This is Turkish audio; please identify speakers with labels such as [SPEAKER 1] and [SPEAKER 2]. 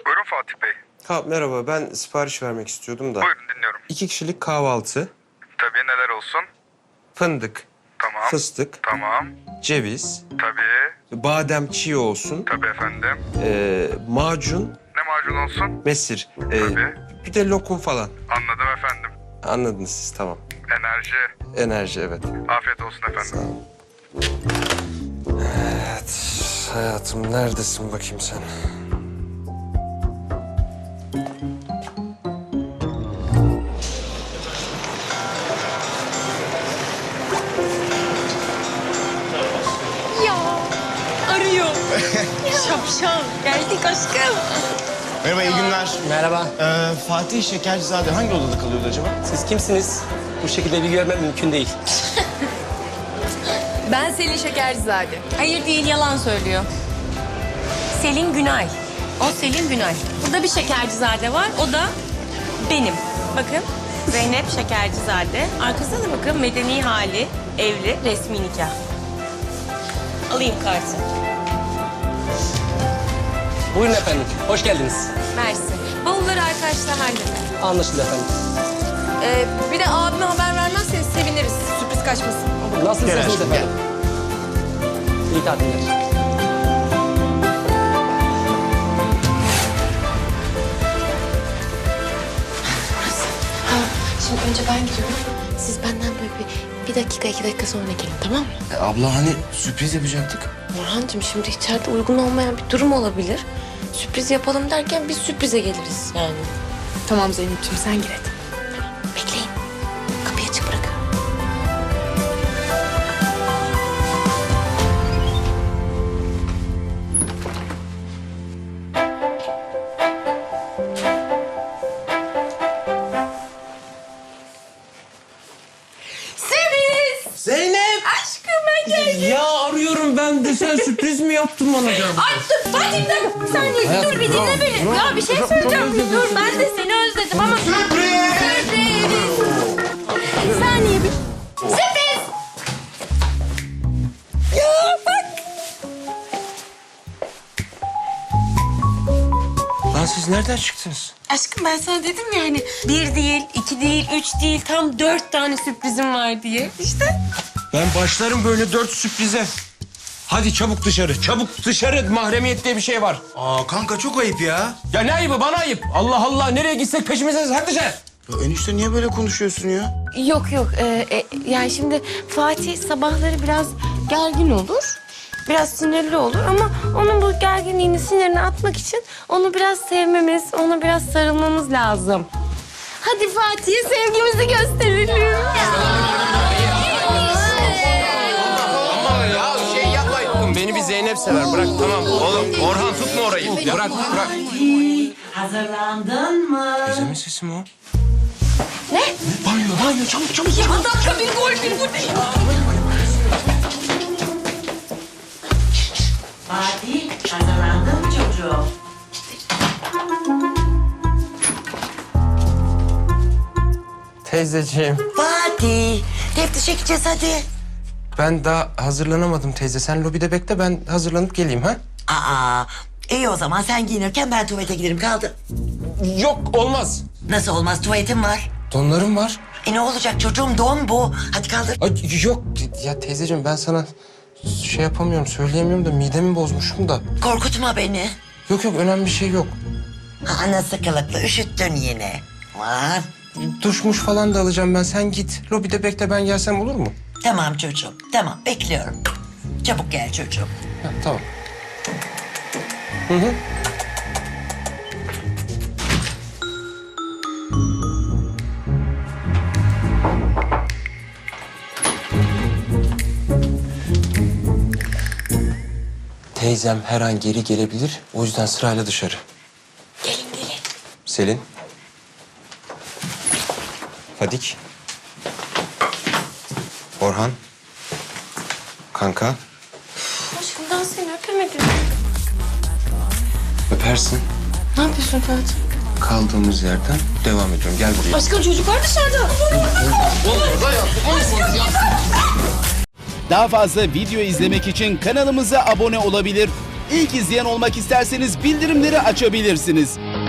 [SPEAKER 1] Buyurun Fatih Bey.
[SPEAKER 2] Ha, merhaba, ben sipariş vermek istiyordum da.
[SPEAKER 1] Buyurun dinliyorum.
[SPEAKER 2] 2 kişilik kahvaltı,
[SPEAKER 1] Tabii neler olsun?
[SPEAKER 2] fındık,
[SPEAKER 1] Tamam.
[SPEAKER 2] fıstık,
[SPEAKER 1] Tamam.
[SPEAKER 2] ceviz,
[SPEAKER 1] Tabii.
[SPEAKER 2] badem çiğ olsun,
[SPEAKER 1] Tabii efendim.
[SPEAKER 2] macun,
[SPEAKER 1] Ne macun olsun?
[SPEAKER 2] mesir,
[SPEAKER 1] Tabii.
[SPEAKER 2] bir de lokum falan.
[SPEAKER 1] Anladım efendim.
[SPEAKER 2] Anladınız siz, tamam.
[SPEAKER 1] Enerji.
[SPEAKER 2] Enerji, evet.
[SPEAKER 1] Afiyet olsun
[SPEAKER 2] Sağ
[SPEAKER 1] efendim.
[SPEAKER 2] olun. Evet, hayatım neredesin bakayım sen?
[SPEAKER 3] Ya arıyor. Şapşal. Geldik aşkım.
[SPEAKER 4] Merhaba, iyi günler.
[SPEAKER 5] Merhaba.
[SPEAKER 4] Fatih Şekercizade hangi odada kalıyordu acaba?
[SPEAKER 5] Siz kimsiniz? Bu şekilde bilgi vermem mümkün değil.
[SPEAKER 3] Ben Selin Şekercizade.
[SPEAKER 6] Hayır değil, yalan söylüyor. Selin Günay. O Selin Günay. Burada bir Şekercizade var, o da benim. Bakın, Zeynep Şekercizade. Arkasına da bakın, medeni hali, evli, resmi nikah. Alayım kartı.
[SPEAKER 5] Buyurun efendim, hoş geldiniz.
[SPEAKER 6] Mersi. Bavulları arkadaşlar halleder.
[SPEAKER 5] Anlaşıldı efendim.
[SPEAKER 3] Bir de abime haber vermezseniz seviniriz. Sürpriz kaçmasın.
[SPEAKER 5] Nasılsınız
[SPEAKER 4] aşkım,
[SPEAKER 5] efendim? İyi tatiller.
[SPEAKER 7] Şimdi önce ben giriyorum. Siz benden böyle bir dakika, 2 dakika sonra gelin, tamam mı?
[SPEAKER 4] Abla hani sürpriz yapacaktık.
[SPEAKER 7] Orhancığım şimdi içeride uygun olmayan bir durum olabilir. Sürpriz yapalım derken biz sürprize geliriz yani.
[SPEAKER 3] Tamam Zeynep'ciğim sen gir hadi.
[SPEAKER 7] Bekleyin. Kapıyı açık bırakın.
[SPEAKER 2] Zeynep!
[SPEAKER 3] Aşkım ben geldim.
[SPEAKER 2] Ya arıyorum ben de, sen sürpriz mi yaptın bana canım?
[SPEAKER 6] Ay dur, Fatih dur. Sen dur bir dinle beni. Ya bir şey söyleyeceğim. Dur, ben de seni özledim ama... Sürpriz! Bir saniye bir... Sürpriz!
[SPEAKER 2] Lan siz nereden çıktınız?
[SPEAKER 6] Aşkım ben sana dedim ya hani 1 değil, 2 değil, 3 değil, tam 4 tane sürprizim var diye. İşte.
[SPEAKER 2] Ben başlarım böyle 4 sürprize. Hadi çabuk dışarı, çabuk dışarı. Mahremiyet diye bir şey var.
[SPEAKER 4] Aa kanka çok ayıp ya.
[SPEAKER 2] Ya ne ayıbı, bana ayıp. Allah Allah, nereye gitsek peşimizdeyiz. Hadi dışarı.
[SPEAKER 4] Ya enişte niye böyle konuşuyorsun ya?
[SPEAKER 7] Yok yok. Yani şimdi Fatih sabahları biraz gergin olur. Biraz sinirli olur ama onun bu gerginliğini, sinirini atmak için onu biraz sevmemiz, ona biraz sarılmamız lazım. Hadi Fatih'e sevgimizi gösterelim.
[SPEAKER 2] Ama ya şey yapmayın. Beni bir Zeynep sever. Bırak, tamam. Oğlum Orhan tutma orayı. Bırak, bırak.
[SPEAKER 8] Hazırlandın mı?
[SPEAKER 2] Teyzemin sesi mi o?
[SPEAKER 4] Banyo çabuk çabuk.
[SPEAKER 3] Dakika bir gol bir bu değil.
[SPEAKER 8] Fatih, hazırlandın mı çocuğum?
[SPEAKER 2] Teyzeciğim.
[SPEAKER 8] Fatih, teftişe gideceğiz hadi.
[SPEAKER 2] Ben daha hazırlanamadım teyze. Sen lobide bekle, ben hazırlanıp geleyim ha?
[SPEAKER 8] Aa, iyi o zaman sen giyinirken ben tuvalete giderim kaldı.
[SPEAKER 2] Yok, olmaz.
[SPEAKER 8] Nasıl olmaz, tuvaletim var.
[SPEAKER 2] Donlarım var.
[SPEAKER 8] Ne olacak çocuğum, don bu. Hadi kaldır.
[SPEAKER 2] Ay, yok ya teyzeciğim, ben sana şey yapamıyorum, söyleyemiyorum da midemi bozmuşum da.
[SPEAKER 8] Korkutma beni.
[SPEAKER 2] Yok yok, önemli bir şey yok.
[SPEAKER 8] Nasıl kılıklı, üşüttün yine. Aman.
[SPEAKER 2] Duşmuş falan da alacağım ben. Sen git. Lobide bekle, ben gelsem olur mu?
[SPEAKER 8] Tamam çocuğum, tamam bekliyorum. Çabuk gel çocuğum.
[SPEAKER 2] Ha, tamam. Hı hı. Teyzem her an geri gelebilir. O yüzden sırayla dışarı.
[SPEAKER 7] Gelin gelin.
[SPEAKER 2] Selin. Fadik. Orhan. Kanka.
[SPEAKER 7] Aşkım daha seni öpemedim.
[SPEAKER 2] Öpersin.
[SPEAKER 7] Ne yapıyorsun Fatih?
[SPEAKER 2] Kaldığımız yerden devam ediyorum. Gel buraya.
[SPEAKER 3] Aşkım çocuklar dışarıda.
[SPEAKER 9] Daha fazla video izlemek için kanalımıza abone olabilir. İlk izleyen olmak isterseniz bildirimleri açabilirsiniz.